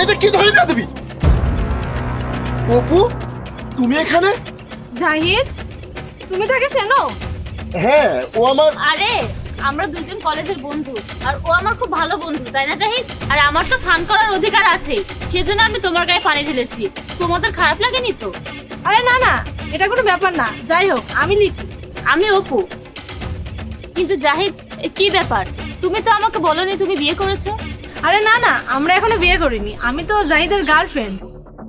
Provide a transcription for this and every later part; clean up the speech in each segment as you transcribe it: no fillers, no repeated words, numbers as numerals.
এটা কি ধরে না দিবি? অপু, তুমি এখানে? জাহিদ, তুমি তাকে চেনো? হ্যাঁ, ও আমার। আরে আমরা দুজন কলেজের বন্ধু, আর ও আমার খুব ভালো বন্ধু, তাই না জাহিদ? আর আমার তো ফান করার অধিকার আছে, সেজন্য আমি তোমার গায়ে পানি ঢেলেছি। তোমাদের খারাপ লাগেনি তো? আরে না না, এটা কোনো ব্যাপার না। যাই হোক, আমি লিপি। আমি অপু। কিন্তু জাহিদ, কি ব্যাপার? তুমি তো আমাকে বলোনি তুমি বিয়ে করেছো। আরে না না, আমরা এখনো বিয়ে করিনি। আমি তো জাহিদের গার্লফ্রেন্ড।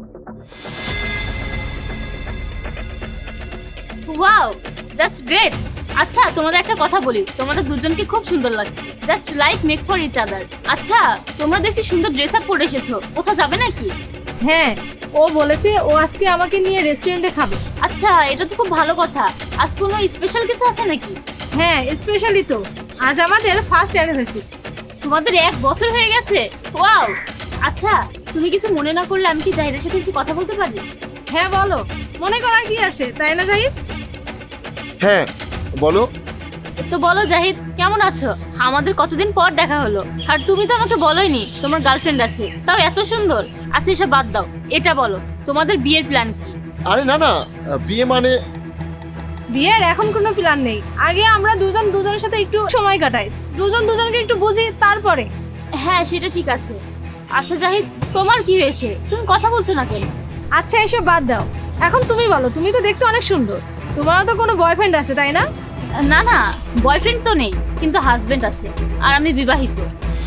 Wow, just great. আচ্ছা, তোমাদের একটা কথা বলি, তোমাদের দুজনকে খুব সুন্দর লাগছে, just like make for each other. আচ্ছা, তোমরা দেখছি সুন্দর ড্রেস আপ পরে এসেছো, কোথাও যাবে নাকি? হ্যাঁ, ও বলেছে ও আজকে আমাকে নিয়ে রেস্টুরেন্টে খাবে। আচ্ছা, এটা তো খুব ভালো কথা। আজ কোনো স্পেশাল কিছু আছে নাকি? হ্যাঁ, স্পেশালি তো আজ আমাদের ফার্স্ট অ্যানিভার্সারি। তোমাদের 1 বছর হয়ে গেছে? ওয়াও। আচ্ছা, তুমি কিছু মনে না করলে আমি কি জাহিদের সাথে একটু কথা বলতে পারি? হ্যাঁ বলো, মনে করার কি আছে, তাই না জাহিদ? হ্যাঁ বলো। তো বলো জাহিদ, কেমন আছো? আমাদের কতদিন পর দেখা হলো, আর তুমি তো আমাকে বলোইনি তোমার গার্লফ্রেন্ড আছে, তাও এত সুন্দর। আচ্ছা, এসব বাদ দাও, এটা বলো তোমাদের বিয়ের প্ল্যান কি? আরে না না, বিয়ে মানে। বিয়ের এখন কোনো প্ল্যান নেই। আগে আমরা দুজন দুজনের সাথে একটু সময় কাটাই, দুজন দুজনকে একটু বুঝি, তারপরে। হ্যাঁ, সেটা ঠিক আছে। আচ্ছা জাহিদ, তোমার কি হয়েছে? তুমি কথা বলছো না কেন? আচ্ছা, এসব বাদ দাও। এখন তুমি বলো, তুমি তো দেখতে অনেক সুন্দর। তোমারও তো কোনো বয়ফ্রেন্ড আছে, তাই না? না না, বয়ফ্রেন্ড তো নেই, কিন্তু হাজবেন্ড আছে, আর আমি বিবাহিত।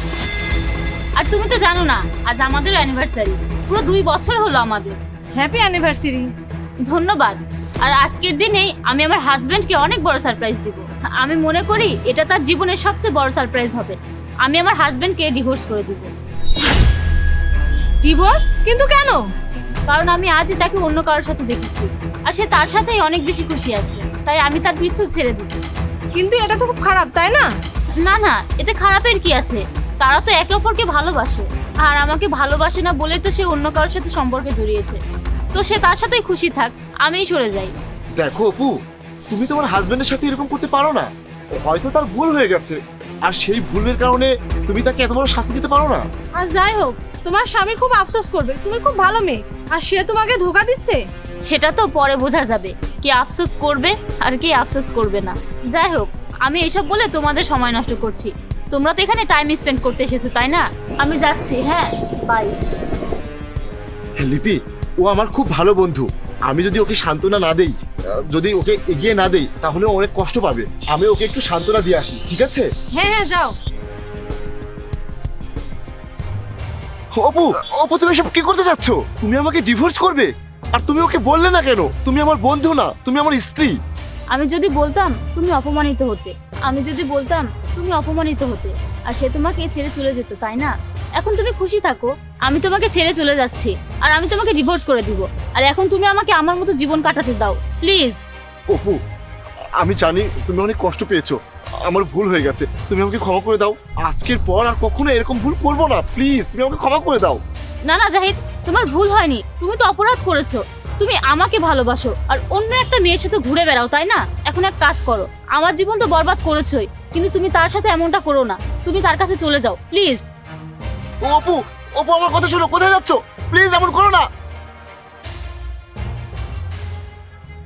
আর তুমি তো জানো না, আজ আমাদের অ্যানিভার্সারি, পুরো 2 বছর হলো আমাদের। Happy anniversary. ধন্যবাদ। আর আজকের দিনেই আমি আমার হাজবেন্ডকে অনেক বড় সারপ্রাইজ দিব। আমি মনে করি এটা তার জীবনের সবচেয়ে বড় সারপ্রাইজ হবে। আমি আমার হাজবেন্ডকে ডিভোর্স করে দিব। ডিভোর্স? কিন্তু কেন? কারণ আমি আজই তাকে অন্য কারোর সাথে দেখেছি, আর সে তার সাথেই অনেক বেশি খুশি আছে, তাই আমি তার পিছু ছেড়ে দিব। কিন্তু এটা তো খুব খারাপ, তাই না? না না, এতে খারাপের কি আছে? তারা তো একে অপরকে ভালোবাসে, আর আমাকে ভালোবাসে না বলে তো সে অন্য কারোর সাথে সম্পর্কে জড়িয়েছে। তো সে তার সাথেই খুশি থাক, আমিই সরে যাই। দেখো অপু, তুমি তোমার হাজবেন্ডের সাথে এরকম করতে পারো না। হয়তো তার ভুল হয়ে গেছে, আর সেই ভুলের কারণে তুমি তাকে এত বড় শাস্তি দিতে পারো না। আর যাই হোক, তোমার স্বামী খুব আফসোস করবে। তুমি খুব ভালো মেয়ে, আর সে তোমাকে ধোকা দিচ্ছে। সেটা তো পরে বোঝা যাবে, কে আফসোস করবে আর কে আফসোস করবে না। যাই হোক, আমি এসব বলে তোমাদের সময় নষ্ট করছি। তোমরা তো এখানে টাইম স্পেন্ড করতে এসেছো, তাই না? আমি যাচ্ছি, হ্যাঁ, বাই। লিপি, ও আমার খুব ভালো বন্ধু। আমি যদি ওকে সান্ত্বনা না দেই, যদি ওকে এগিয়ে না দেই, তাহলে ও অনেক কষ্ট পাবে। আমি ওকে একটু সান্ত্বনা দিয়ে আসি, ঠিক আছে? হ্যাঁ হ্যাঁ, যাও। অপু, অপু, তুমি সব কি করতে যাচ্ছ? তুমি আমাকে ডিভোর্স করবে? আর তুমি ওকে বললে না কেন? তুমি আমার বন্ধু না, তুমি আমার স্ত্রী। আমি যদি বলতাম তুমি অপমানিত হতে, আমি যদি বলতাম তুমি অপমানিত হতে, আর সে তোমাকে ছেড়ে চলে যেত, তাই না? এখন তুমি খুশি থাকো, আমি তোমাকে ছেড়ে চলে যাচ্ছি, আর আমি তোমাকে ডিভোর্স করে দিব। আর এখন তুমি আমাকে আমার মতো জীবন কাটাতে দাও, প্লিজ। অপু, আমি জানি তুমি অনেক কষ্ট পেয়েছো, আমার ভুল হয়ে গেছে, তুমি আমাকে ক্ষমা করে দাও। আজকের পর আর কখনো এরকম ভুল করবো না, প্লিজ তুমি আমাকে ক্ষমা করে দাও। না না জাহিদ, তোমার ভুল হয়নি, তুমি তো অপরাধ করেছো। তুমি আমাকে ভালোবাসো আর অন্য একটা মেয়ের সাথে ঘুরে বেড়াও, তাই না? এখন এক কাজ করো, আমার জীবন তো বরবাদ করেছোই, কিন্তু তুমি তার সাথে এমনটা করো না। তুমি তার কাছে চলে যাও, প্লিজ। ও অপু, অপু, আমার কথা শোনো, কোথায় যাচ্ছ? প্লিজ এমন করো না।